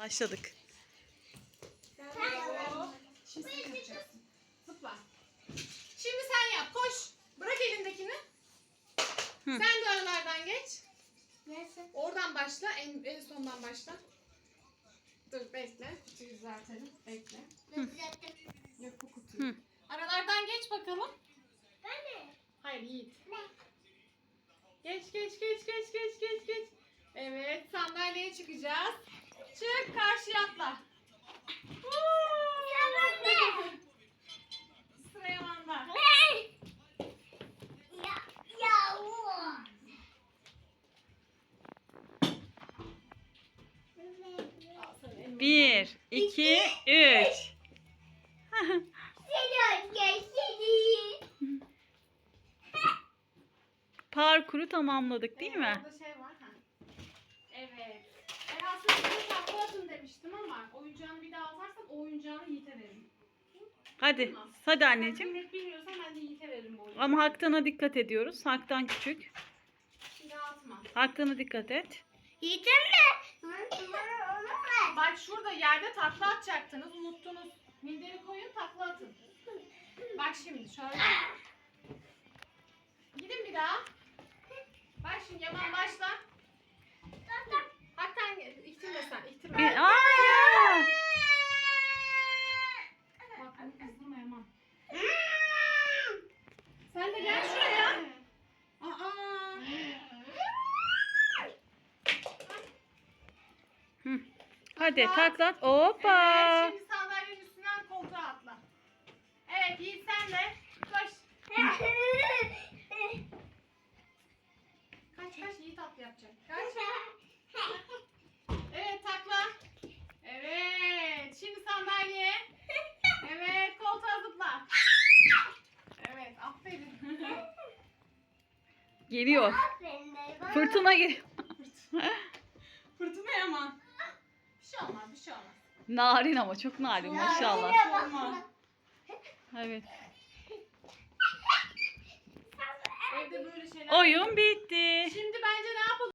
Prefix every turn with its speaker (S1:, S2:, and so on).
S1: Başladık.
S2: Şimdi sen yapacaksın. Zıpla. Şimdi sen yap. Koş. Bırak elindekini. Sen de aralardan geç.
S3: Neyse.
S2: Oradan başla. En sondan başla. Dur bekle. Kutuyu düzeltelim. Bekle. Yok bu kutuyu. Aralardan geç bakalım.
S3: Ben mi?
S2: Hayır Yiğit.
S3: Ne?
S2: Geç. Evet sandalyeye çıkacağız. Çık karşıya atla. Sıra Yaman'da. Al sana elma.
S1: 1, 2, 3. Parkuru tamamladık değil mi?
S2: Orada şey var. Ha. Evet. Ben aslında size takla atın demiştim ama oyuncağını bir daha atarsan o oyuncağını Yiğit'e veririm.
S1: Hadi. Hadi
S2: Sen
S1: anneciğim.
S2: bilmek bilmiyorsan ben de Yiğit'e veririm bu oyuncağı.
S1: Ama Haktan'a dikkat ediyoruz. Haktan küçük.
S2: Bir daha atma.
S1: Haktan'a dikkat et.
S2: Bak şurada yerde takla atacaktınız. Unuttunuz. Minderi koyun takla atın. Bak şimdi şöyle. Gidin bir daha. Bak şimdi Yaman başla. Haktan iktirme sen. İktirme.
S1: Aa!
S2: Bak bunu kızdırma Yaman. Sen de gel şuraya. Aa.
S1: Hadi taklat.
S2: Evet,
S1: Hoppa.
S2: şimdi sandalyenin üstünden koltuğa atla. Evet Yiğit sen de. Koş. Kaç Yiğit atla yapacak. Kaç. Evet takla. Evet. Şimdi sandalyeye. Evet koltuğa zıpla. Evet aferin.
S1: Geliyor. Fırtına geliyor.
S2: Fırtına Yaman. Bir şey olmaz bir şey olmaz.
S1: Narin ama çok narin maşallah.
S2: Bir şey olmaz.
S1: Evet.
S2: Evde böyle şeyler.
S1: Oyun bitti.
S2: Şimdi bence ne yapalım?